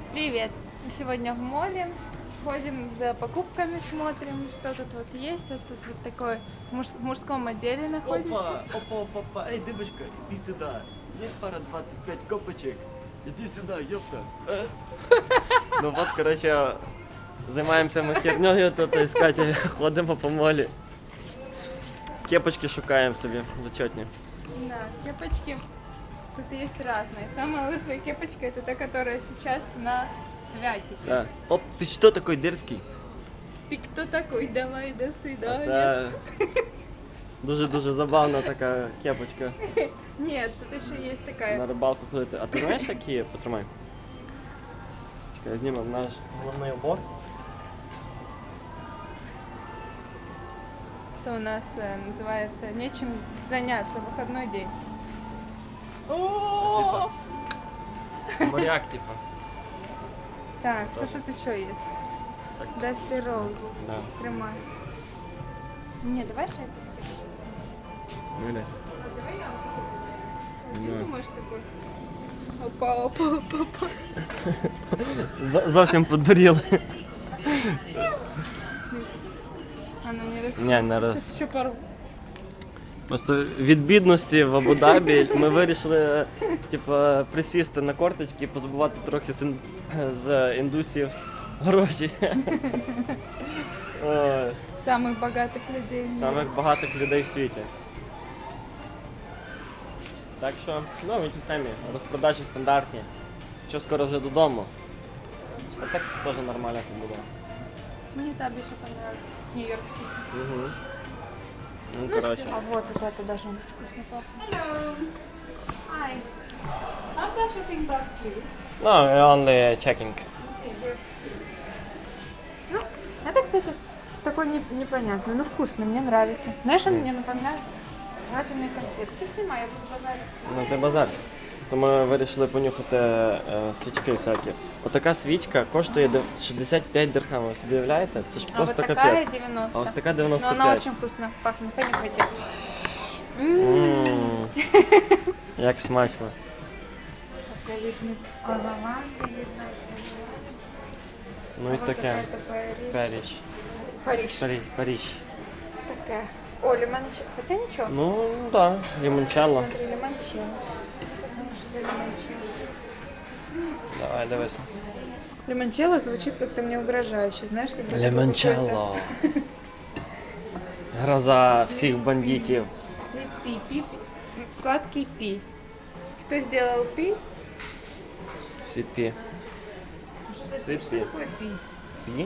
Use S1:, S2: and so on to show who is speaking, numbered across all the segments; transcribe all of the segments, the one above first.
S1: Привет! Сегодня в моле ходим за покупками, смотрим, что тут вот есть. Вот тут вот такой в мужском отделе находится.
S2: Опа, эй, девочка, иди сюда. Есть пара 25 копочек. Иди сюда, ёпта. Ну вот, короче, займаємося ми хернёю тут із Катєю, ходимо по молі. Кепочки шукаємо собі, зачетні.
S1: Да, кепочки тут есть разные. Самая лучшая кепочка это та, которая сейчас на Святике.
S2: Да. Оп, ти що такий дерзкий?
S1: Ты кто такой? Давай, до свидания.
S2: Це дуже-дуже забавна така кепочка.
S1: Нет, тут еще есть такая.
S2: На рибалку ходити. А ти знаєш, які є? Потримай. Чекай, знімемо наш головний убор.
S1: Это у нас называется «Нечем заняться. Выходной день».
S2: Моряк, типа.
S1: Так, что
S2: Тоже.
S1: тут еще есть?
S2: Так.
S1: Dusty Roads.
S2: Да.
S1: Тримай. Не, давай шайбу скажи.
S2: Ну или?
S1: Давай я.
S2: Да.
S1: Ты думаешь такой? Опа.
S2: Зовсім подуріли.
S1: Она не растет.
S2: Ні, не раз.
S1: Сейчас еще порву.
S2: Просто від бідності в Абу-Дабі ми вирішили типу, присісти на корточки і позбувати трохи з індусів гроші. Ой,
S1: Самых богатых людей. в мире.
S2: самих багатих людей в світі. Так що, ну, в іншій темі, розпродажі стандартні. Що скоро вже додому. А це теж нормально тут буде.
S1: Мне та больше понравилась с Нью-Йорк-Сити.
S2: Угу. Ну,
S1: Ну,
S2: коротше.
S1: всё. А вот это должно быть вкусно пахнуть.
S3: Hello. Hi. Have that shopping bag, please.
S2: No, only checking.
S1: Ну, это, кстати, такой непонятный, но вкусный, мне нравится. Знаешь, он мне напоминает жевательные конфетки. Снимай, я буду базарить.
S2: Ну, ти базар. То ми вирішили понюхати свічки всякі. Отака свічка коштує 65 дирхамів. Собі уявляєте? Це ж
S1: А вот
S2: просто
S1: такая
S2: капець.
S1: 90.
S2: А ось така
S1: Но она
S2: 95.
S1: очень вкусно пахнет. Понюхайте.
S2: Ммм. Як смачно.
S1: А лаванда видно.
S2: Ну і таке. Париж.
S1: Париж.
S2: Париж.
S1: Такая. О, лимончелло. Хотя ничего.
S2: Ну, да, лимончелло.
S1: Смотри, лимончелло. Посмотрим, что за лимончелло.
S2: Давай, дивися.
S1: Лимончелло звучит как-то мне угрожающе, знаешь, как будто бы
S2: Лимончелло. Гроза всіх бандитів.
S1: какой-то сладкий пи. Кто сделал пи?
S2: Сіпі.
S1: Что такое пи?
S2: Пі?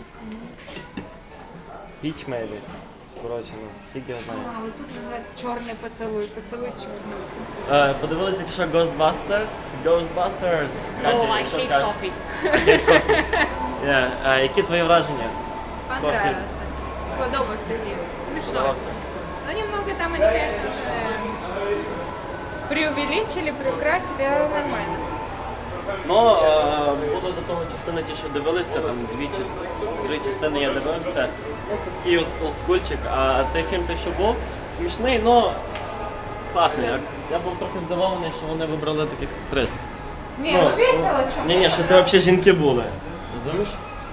S2: Піч мейбі. Скорочено. Фіг його знає.
S1: А, вот тут называется черный поцелуй. Поцелуй черный.
S2: Подивилися, якщо Ghostbusters? Ghostbusters. Скажіть, що скажеш? Які твої враження?
S1: Понравился. Сподобався він. Смешно.
S2: Сподобався?
S1: Но немного там они, конечно же, преувеличили, приукрасили, але нормально.
S2: Ну, було до того частини ті, що дивилися, там 2 чи 3 частини я дивився. Ну, це такий олдскульчик, а цей фільм той, що був, смішний, но класний. Я був трохи здивований, що вони вибрали таких актрис.
S1: Не, ну весело, чё?
S2: Ні, що це взагалі жінки були. Розумієш?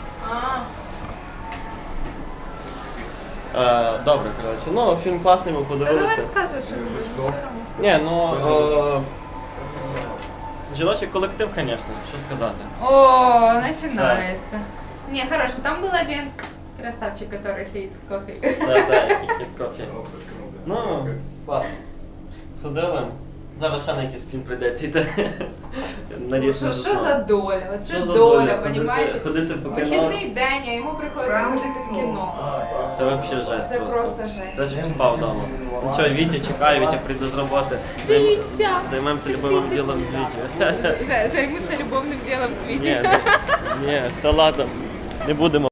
S2: Добре, коротше. Ну, фільм класний, ми
S1: Да давай
S2: подивилися.
S1: рассказывай, что тебе все равно.
S2: Ні, ну, жіночий колектив, звісно, що сказати.
S1: О, начинается. Не, хорошо, там был один красавчик, который hates coffee.
S2: Так, кіт кофі. Ну, класно. Сходили. Зараз ще на якийсь фільм прийдеться йти.
S1: Что за доля? Вот
S2: Що
S1: это
S2: за
S1: доля,
S2: доля?
S1: понимаете?
S2: Ходити по кіно.
S1: Вихідний день, а йому приходиться ходити в кіно.
S2: Це взагалі жесть
S1: Це просто жесть.
S2: Теж він спав вдома. Ну що, Вітя чекає, Вітя прийде з роботи.
S1: Вітя!
S2: Займемося любимим ділом з Вітєю.
S1: Займутся любовным делом с
S2: Ні,
S1: Витей.
S2: ні, все ладно. Не будемо